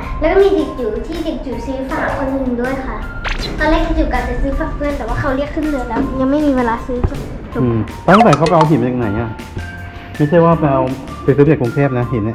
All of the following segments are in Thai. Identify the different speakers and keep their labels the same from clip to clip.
Speaker 1: แล้วก็มีเด็กจิ๋วที่เด็กจิ๋วซื้อฝากคนหนึ่งด้วยค่ะ ตอนแรกเด็กจิ๋วกะจะซื้อฝากเพื่อนแต่ว่าเขาเรียกขึ้นเรือแล้ว ยังไม่มีเวลาซื้อจบ
Speaker 2: ตั้งแต่เขาไปเอาหินมาจากไหนอ่ะไม่ใช่ว่าไปซื้อจากกรุงเทพนะหินเนี่ย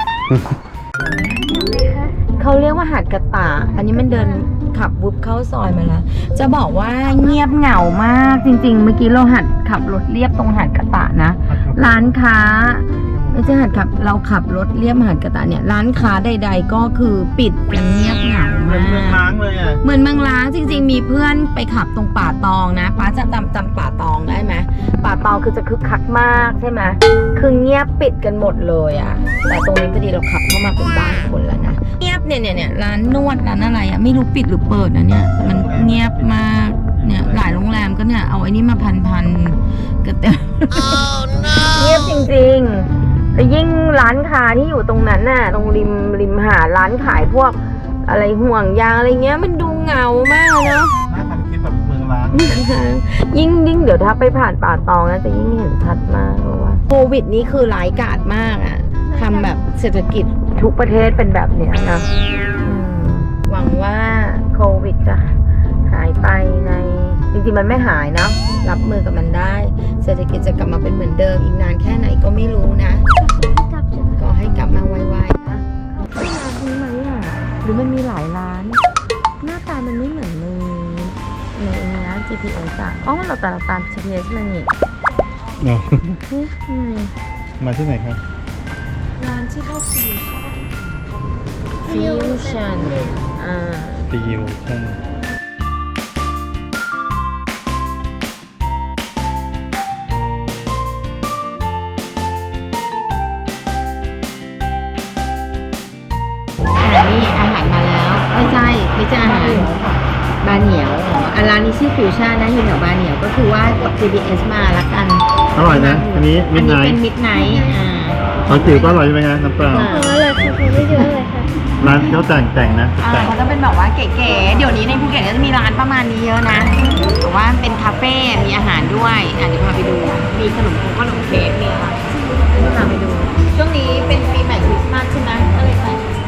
Speaker 3: เขาเรียกว่าหาดกระตะอันนี้มันเดินขับวุบเข้าซอยมาแล้ว จะบอกว่าเงียบเหงามากจริงๆ เมื่อกี้เราหัดขับรถเลียบตรงหาดกระตะนะ ร้านค้าไม่ใช่หัดขับเราขับรถเลียบหาดกระตะเนี่ยร้านค้าใดๆก็คือปิดกันเงียบเหงา
Speaker 2: เหมือนเมือง
Speaker 3: มาก
Speaker 2: ล้างเลยอ่ะ
Speaker 3: เหมือนเมืองล้างจริงๆ มีเพื่อนไปขับตรงป่าตองนะป้าจะจำป่าตองได้ไหมป่าตองคือจะคึกคักมากใช่ไหมคือเงียบปิดกันหมดเลยอะแต่ตรงนี้พอดีเราขับเข้ามาเป็นบ้านคนแล้วนะเงียบเนี่ยร้านนวดร้านอะไรอะไม่รู้ปิดหรือเปิดนะเนี่ยมันเงียบมากเนี่ยหลายโรงแรมก็เนี่ยเอาไอ้นี่มาพันก็เต็ม เงียบจริงๆแล้วยิ่งร้านค้าที่อยู่ตรงนั้นน่ะตรงริมหาดร้านขายพวกอะไรห่วงยางอะไรเงี้ยมันดูเหงามากเนาะ
Speaker 2: น่าทำคลิปแบบเมืองล้าง
Speaker 3: ยิ่งเดี๋ยวถ้าไปผ่านป่าตองนะจะยิ่งเห็นชัดมากเพราะว่าโควิดนี้คือร้ายกาจมากอะทำแบบเศรษฐกิจทุกประเทศเป็นแบบเนี้ยนะหวังว่าโควิดจะหายไปในจริงๆมันไม่หายนะรับมือกับมันได้ เศรษฐกิจจะกลับมาเป็นเหมือนเดิมอีกนานแค่ไหนก็ไม่รู้นะก็ให้กลับมาไวๆนะร้านนี้ไหมอ่ะหรือมันมีหลายร้าน หน้าตามันไม่เหมือนในนะ GPS อ่ะอ๋อเราแต่เราตาม GPS มานี่
Speaker 2: เนาะ
Speaker 3: นี่ไง
Speaker 2: มาที่ไหนครับ
Speaker 1: ร้านที่เข้าฟิว
Speaker 3: Fusion
Speaker 2: ฟิวชั่น
Speaker 3: นี่อาหารมาแล้วไม่ใช่อาหารบาเหนียวร้านนี้ชื่อฟิวชั่นนะอยู่แถวบาเหนียวก็คือว่ากด GPS มาละกัน
Speaker 2: อร่อยนะอันนี้มิดไนท์
Speaker 3: เป็นมิดไนท์
Speaker 2: ตอนจิ๋วก็อร่อยใช่ไหมครับน้ำเปล่า
Speaker 1: เลยคือไม่เยอะเลยค่ะ
Speaker 2: ร้านเขาแต่งนะแต่ง
Speaker 3: เขาจะเป็นแบบว่าเก๋ๆเดี๋ยวนี้ในภูเก็ตก็จะมีร้านประมาณนี้เยอะนะแต่ว่าเป็นคาเฟ่มีอาหารด้วยเดี๋ยวพาไปดูมีขนมเค้กมีอะไรพาไปดูช่วงนี้เป็นปีใหม่คริสต์มาสใช่ไหมก็เลยไป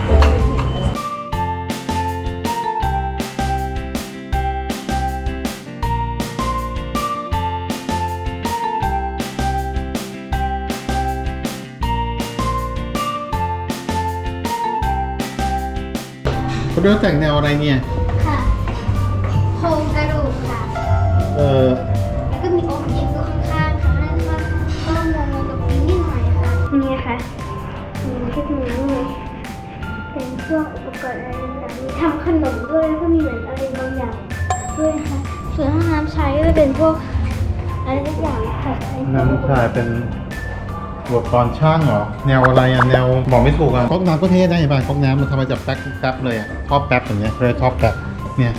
Speaker 2: เขาเรียกแต่งแนวอะไรเนี่ย
Speaker 1: ค่ะโครงกระดูกค่ะ แล้วก็มีองค์หญิงอยู่ข้างๆค่ะนั่นก็งงๆกับนี้นิดหน่อยค่ะนี่ค่ะมีเทคนิคเลยเป็นพวกอุปกรณ์อะไรต่างๆมีทำขนมด้วยแล้วก็มีเหมือนอะไรบางอย่างด้วยค่ะส่วนห้องน้ำใช้ก็จะเป็นพวกอะไรทุกอย่างค่ะ
Speaker 2: น้ำชาเป็นอุปกรณ์ช่างเหรอ แนวอะไรอ่ะ แนวบอกไม่ถูกอ่ะก๊อกน้ำก็เท่ได้ป่ะก๊อกน้ำมันทำมาจากแป๊บเลยอ่ะท่อแป๊บอย่างเงี้ยเลยท่อแป๊บเนี่ย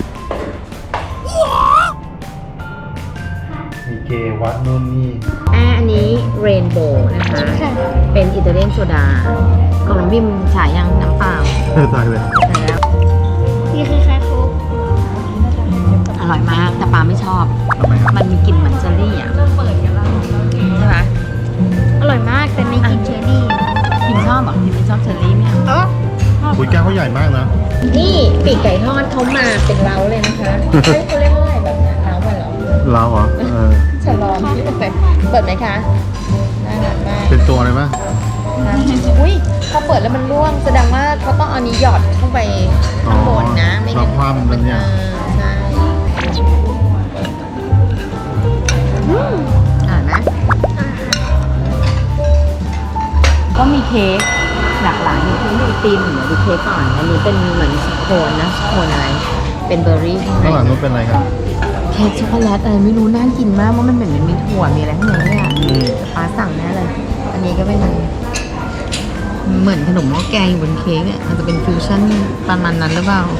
Speaker 2: มีเกวัดนู่นนี่
Speaker 3: อันนี้เรนโบว์นะคะ เป็นอิตาเลียนโซดากล่องน้ำบิมฉายยังน้ำเปล่า
Speaker 2: ตายเลย
Speaker 3: ใช่แล้ว
Speaker 1: นี่คล้ายๆโค้ก
Speaker 3: อร่อยมากแต่ปาไม่ชอบ
Speaker 2: ทำไมครับ
Speaker 3: มันมีกลิ่นเหมือนเจลลี่อ่ะใช่ไหม
Speaker 1: อร่อยมากแต่ไม่กินเชอร์รี่
Speaker 3: พิมชอบเหรอพิมไม่ชอบเจลลี่ไหม
Speaker 1: อ๋อ
Speaker 2: คุยแก้วเขาใหญ่มากนะ
Speaker 3: นี่ปีกไก่ทอดเขามาเป็นเล้าเลยนะคะเขาเรียกว่าอะไรแบบนั้นเล้ามาเหรอ
Speaker 2: เราเหรอ
Speaker 3: ฉลองที่เปิดไหมคะน่ารักมาก
Speaker 2: เป็นตัวอะไรป่ะ
Speaker 3: อุ้ยพอเปิดแล้วมันร่วงแสดงว่าเขาต้องเอานี้หยอดเข้าไปข้างบนนะไม่งั้น
Speaker 2: เราคว่ำมันเนี่ย
Speaker 3: ใช่นะก็มีเค้กหลากหลายมีเค้กมีตีนเดี๋ยวดูเค้กก่อนอันนี้เป็นเหมือนสโคนนะสโคนอะไรเป็นเบอร์รี่ข้างใน
Speaker 2: ข้างหลังนู้นเป็นอะไรครับ
Speaker 3: เค้กช็อกโกแลตอะไรไม่รู้น่ากินมากเพราะมันเหมือนมีถั่วมีอะไรข้างในเนี่ยป้าสั่งแน่เลย อันนี้ก็เป็นเหมือนขนมหม้อแกงอยู่บนเค้กเนี่ยอาจจะเป็นฟิวชั่นประมาณนั้นหรือเปล่า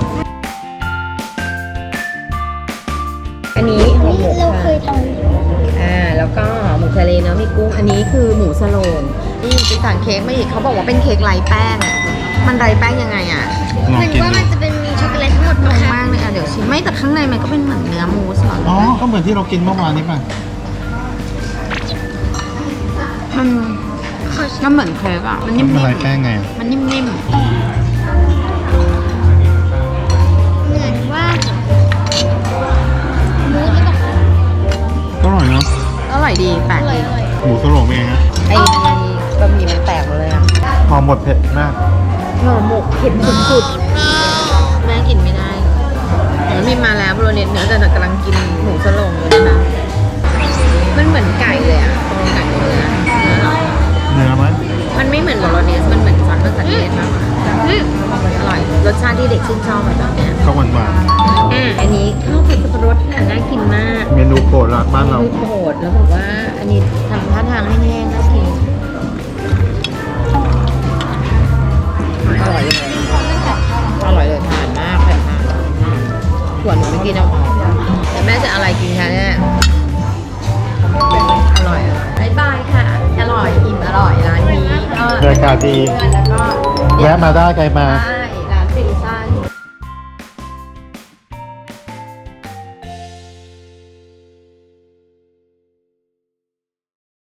Speaker 3: อันนี้ห่อหมก
Speaker 1: เราเค
Speaker 3: ค่ะ
Speaker 1: ยทำ
Speaker 3: แล้วก็หมูทะเลเนาะมีกุ้งอันนี้คือหมูสโลงนี่ไปสั่งเค้กมาอีกเขาบอกว่าเป็นเค้กไร้แป้งอ่ะมันไร้แป้งยังไงอ่ะ
Speaker 2: ลอง
Speaker 1: มัน
Speaker 2: กิน
Speaker 1: ว่า
Speaker 2: ดู
Speaker 1: มันจะเป็นมีช็อกโกแลตทั้งหมด
Speaker 3: ง
Speaker 1: นะ
Speaker 3: ง
Speaker 1: คะ
Speaker 3: มากเลยอ่ะเดี๋ยวชิมไม่แต่ข้างในมันก็เป็นเหมือนเนื้อมูสเหรอ
Speaker 2: อ๋อ ก็เหมือนที่เรากินเมื่อวานนี้ป่ะ
Speaker 3: มันเหมือนเค้กอ่ะมันนิ่ม
Speaker 2: อะไรแป้งไง
Speaker 3: ๆมันนิ่มๆอยดีแปลกดี
Speaker 2: หมูสโลงเป็นไงฮะ
Speaker 3: ไอ้บะหมี่มันแตกหมดเลยอะ
Speaker 2: พอหมดเผ็ดมาก
Speaker 3: ห่อหมกเผ็ดสุดๆแม่กินไม่ได้แล้วมีมาแล้วโบโลเนสเนื้อแต่กำลังกินหมูสโลงอยู่นะคะมันเหมือนไก่เลยอะไก่เนื้อเหรอ
Speaker 2: เนื้อมัน
Speaker 3: มันไม่เหมือนโบโลเนสมันเหมือนซอสมะเขือเทศมากกว่าอร่อยรสชาติที่เด็กชื่นชอบแบบเนี้ย
Speaker 2: ก็หวาน
Speaker 3: อันนี้ข้าวผัดสับปะรดค่ะน่ากินมาก
Speaker 2: ๆเมนูโปรดร้านบ้านเรา
Speaker 3: คือโหดแล้วบอกว่าอันนี้ทำท่าทางให้แห้งน่ากินอร่อยเลยอร่อยเลยทานมากแผ่นมากส่วนหนูไม่กินเอาแต่แม่จะอะไรกินคะเนี่ยอร่อยบ๊ายบายค่ะอร่อยอิ่มอร่อยร้านนี้ก็
Speaker 2: บรรยากาศดี
Speaker 3: แล้วก็
Speaker 2: แวะมาได้ใครมา
Speaker 3: ใช่